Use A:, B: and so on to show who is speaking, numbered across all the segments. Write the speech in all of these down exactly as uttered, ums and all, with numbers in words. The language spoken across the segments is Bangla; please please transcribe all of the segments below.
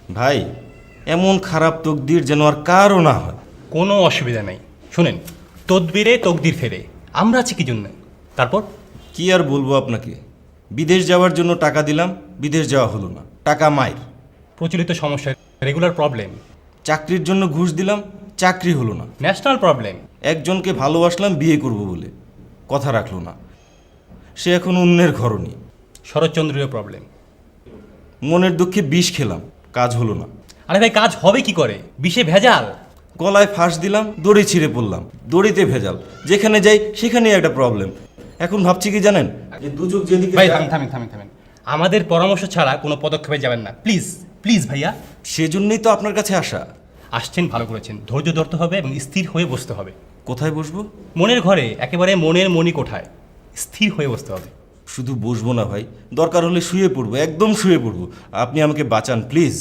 A: ভাই এমন খারাপ তকদির যেন আর কারও না হয়।
B: কোনো অসুবিধা নেই, শুনেন, তদবিরে তকদির ফেরে, আমরা আছি কি জন্য। তারপর
A: কি আর বলবো আপনাকে, বিদেশ যাওয়ার জন্য টাকা দিলাম, বিদেশ যাওয়া হলো না, টাকা মাইর।
B: প্রচলিত সমস্যা, রেগুলার প্রবলেম।
A: চাকরির জন্য ঘুষ দিলাম, চাকরি হলো না।
B: National problem.
A: একজনকে ভালোবাসলাম বিয়ে করব বলে, কথা রাখলো না, সে এখন অন্যের ঘরণী।
B: শরৎচন্দ্রীয় প্রবলেম।
A: মনের দুঃখে বিষ খেলাম, কাজ হলো না।
B: আরে ভাই, কাজ হবে কি করে, বিষে ভেজাল।
A: গলায় ফাঁস দিলাম, দড়ি ছিঁড়ে পড়লাম, দড়িতে ভেজাল, যেখানে যাই সেখানেই একটা প্রবলেম। এখন ভাবছি কি জানেন, যে দুচোখ যেদিকে
B: ভাই
A: যায়-
B: থামেন থামেন থামেন থামেন আমাদের পরামর্শ ছাড়া কোনো পদক্ষেপে যাবেন না, প্লিজ প্লিজ ভাইয়া।
A: সেজন্যই তো আপনার কাছে আসা।
B: আসছেন, ভালো করেছেন। ধৈর্য ধরতে হবে এবং স্থির হয়ে বসতে হবে।
A: কোথায় বসবো?
B: মনের ঘরে, একেবারে মনের মনি কোঠায় স্থির হয়ে বসতে হবে।
A: শুধু বসবো না ভাই, দরকার হলে শুয়ে পড়বো, একদম শুয়ে পড়বো। আপনি আমাকে বাঁচান প্লিজ।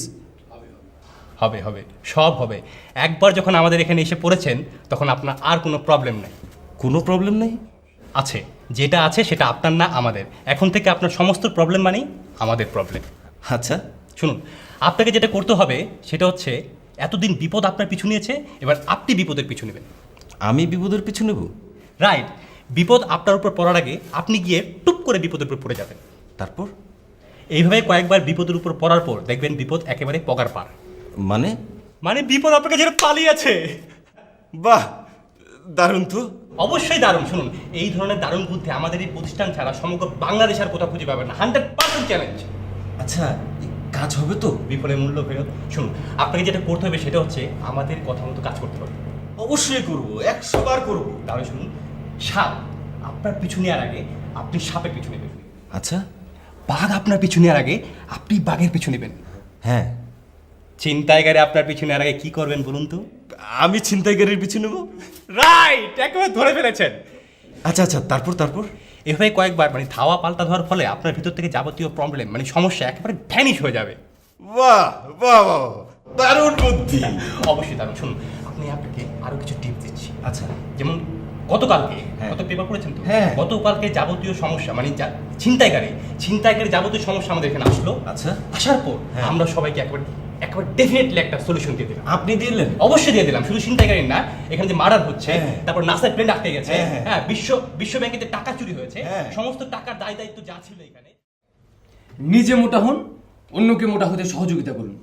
B: হবে হবে, সব হবে। একবার যখন আমাদের এখানে এসে পড়েছেন, তখন আপনার আর কোনো প্রবলেম নেই।
A: কোনো প্রবলেম নেই?
B: আছে, যেটা আছে সেটা আপনার না আমাদের। এখন থেকে আপনার সমস্ত প্রবলেম মানেই আমাদের প্রবলেম।
A: আচ্ছা,
B: শুনুন, আপনাকে যেটা করতে হবে সেটা হচ্ছে, এতদিন বিপদ আপনার পিছু নিয়েছে, এবার আপনি বিপদের পিছু নেবেন।
A: আমি বিপদের পিছু নেব?
B: রাইট। বিপদ আপনার উপর পড়ার আগে আপনি গিয়ে টুপ করে বিপদের উপর পড়ে যাবেন।
A: তারপর?
B: এইভাবে কয়েকবার বিপদের উপর পড়ার পর দেখবেন বিপদ একেবারে পগার পার।
A: মানে?
B: মানে বিপদ আপনাকে যেটা পালিয়েছে।
A: বাহ, দারুণ তো।
B: অবশ্যই দারুণ। শুনুন, এই ধরনের দারুণ বুদ্ধি আমাদের এই প্রতিষ্ঠান ছাড়া সমগ্র বাংলাদেশ আর কোথাও খুঁজে পাবেন না। Hundred percent challenge.
A: আচ্ছা, এই কাজ হবে তো?
B: বিফলের মূল্য ফেরত। শুনুন, আপনাকে যেটা করতে হবে সেটা হচ্ছে আমাদের কথা মতো কাজ করতে হবে।
A: অবশ্যই করব, একশো বার করব।
B: তাহলে শুনুন, সাপ আপনার পিছু নেওয়ার আগে আপনি সাপের পিছু নেবেন।
A: আচ্ছা।
B: বাঘ আপনার পিছু নেওয়ার আগে আপনি বাঘের পিছু নেবেন।
A: হ্যাঁ।
B: ছিনতাইকারী আপনার পিছু নেওয়ার আগে কি করবেন বলুন তো?
A: আমি ছিনতাইকারীর পিছু নেব?
B: রাইট, একেবারে ধরে ফেলেছেন।
A: আচ্ছা আচ্ছা, তারপর তারপর
B: এভাবে কয়েকবার মানে ধাওয়া পাল্টা ধরার ফলে আপনার ভিতর থেকে যাবতীয় প্রবলেম মানে সমস্যা একেবারে ভ্যানিশ হয়ে যাবে।
A: বাহ বাহ বাহ, দারুণ বুদ্ধি।
B: অবশ্যই দারুণ। শুনুন, আপনি আপনাকে আরো কিছু টিপস দিচ্ছি।
A: আচ্ছা।
B: যেমন গতকালকে,
A: হ্যাঁ।
B: গত পেপার পড়েছেন তো?
A: হ্যাঁ।
B: গতকালকে যাবতীয় সমস্যা মানে যা- ছিনতাইকারী ছিনতাইকারী যাবতীয় সমস্যা আমাদের এখানে আসলো।
A: আচ্ছা।
B: আসার পর
A: হ্যাঁ।
B: আমরা সবাইকে একেবারে একেবারে ডেফিনেটলি একটা সলিউশন দিয়ে দিলাম।
A: আপনি দিলেন?
B: অবশ্যই দিয়ে দিলাম। শুধু ছিনতাইকারী না, এখানে যে মার্ডার হচ্ছে,
A: হ্যাঁ।
B: তারপর নাসার প্লেন আটকে গেছে,
A: হ্যাঁ, হ্যাঁ।
B: হ্যাঁ, বিশ্ব বিশ্ব ব্যাংকে যে টাকা চুরি হয়েছে,
A: হ্যাঁ।
B: সমস্ত টাকার দায় দায়িত্ব যা ছিল এখানে।
C: নিজে মোটা হন, অন্যকে মোটা হতে সহযোগিতা করুন।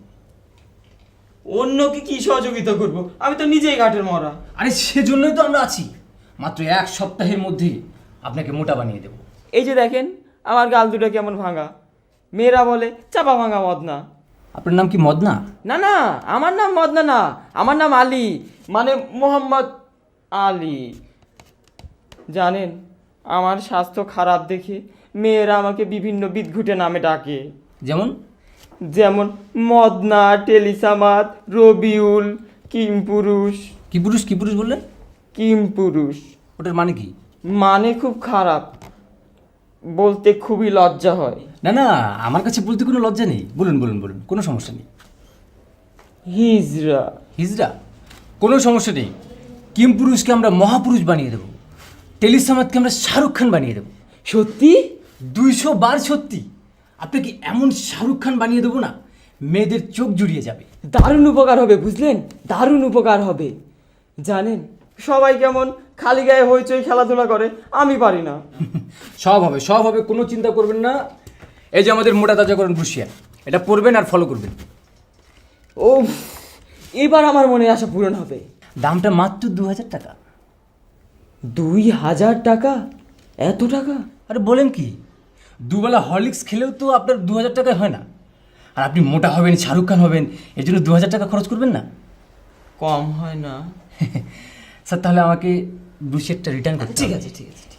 D: অন্যকে কি সহযোগিতা করব? আমি তো নিজেই ঘাটের মরা।
C: আরে সেজন্যই তো আমরা আছি। মাত্র এক সপ্তাহের মধ্যেই আপনাকে মোটা বানিয়ে দেব।
D: এই যে দেখেন আমার গাল দুটো কেমন ভাঙা। মেয়েরা বলে চাপা ভাঙা মদনা।
C: আপনার নাম কি মদনা?
D: না না, আমার নাম মদনা না, আমার নাম আলী, মানে মোহাম্মদ আলী। জানেন, আমার স্বাস্থ্য খারাপ দেখে মেয়েরা আমাকে বিভিন্ন বিদঘুটে নামে ডাকে।
C: যেমন?
D: যেমন মদনা, টেলিসামাদ, রবিউল, কিমপুরুষ।
C: কি পুরুষ কি পুরুষ বললেন?
D: কিমপুরুষ
C: ওটার মানে কি?
D: মানে খুব খারাপ, বলতে খুবই লজ্জা হয়।
C: না না, আমার কাছে বলতে কোনো লজ্জা নেই। বলুন বলুন বলুন, কোনো সমস্যা নেই।
D: হিজরা।
C: হিজড়া? কোনো সমস্যা নেই। কিম পুরুষকে আমরা মহাপুরুষ বানিয়ে দেবো। টেলিসামাদকে আমরা শাহরুখ খান বানিয়ে দেবো।
D: সত্যি?
C: দুইশো বার সত্যি। আপনাকে এমন শাহরুখ খান বানিয়ে দেবো না, মেয়েদের চোখ জুড়িয়ে যাবে।
D: দারুণ উপকার হবে, বুঝলেন? দারুণ উপকার হবে। জানেন, সবাই কেমন খালি গায়ে হইচই খেলাধুলা করে, আমি পারি না।
C: সব হবে সব হবে, কোনো চিন্তা করবেন না। এই যে আমাদের মোটা তাজাকরণ ব্রুশিয়ার, এটা পড়বেন আর ফলো করবেন।
D: ও, এবার আমার মনের আশা পূরণ হবে।
C: দামটা মাত্র দু হাজার টাকা।
D: দুই হাজার টাকা? এত টাকা?
C: আরে বলেন কি, দুবেলা হরলিক্স খেলেও তো আপনার দু হাজার টাকায় হয় না। আর আপনি মোটা হবেন, শাহরুখ খান হবেন, এই জন্য দু হাজার টাকা খরচ করবেন না?
D: কম হয় না?
C: স্যার, তাহলে আমাকে ব্রুশিয়ারটা রিটার্ন করতে
D: ঠিক
C: হবে।
D: আছে ঠিক আছে।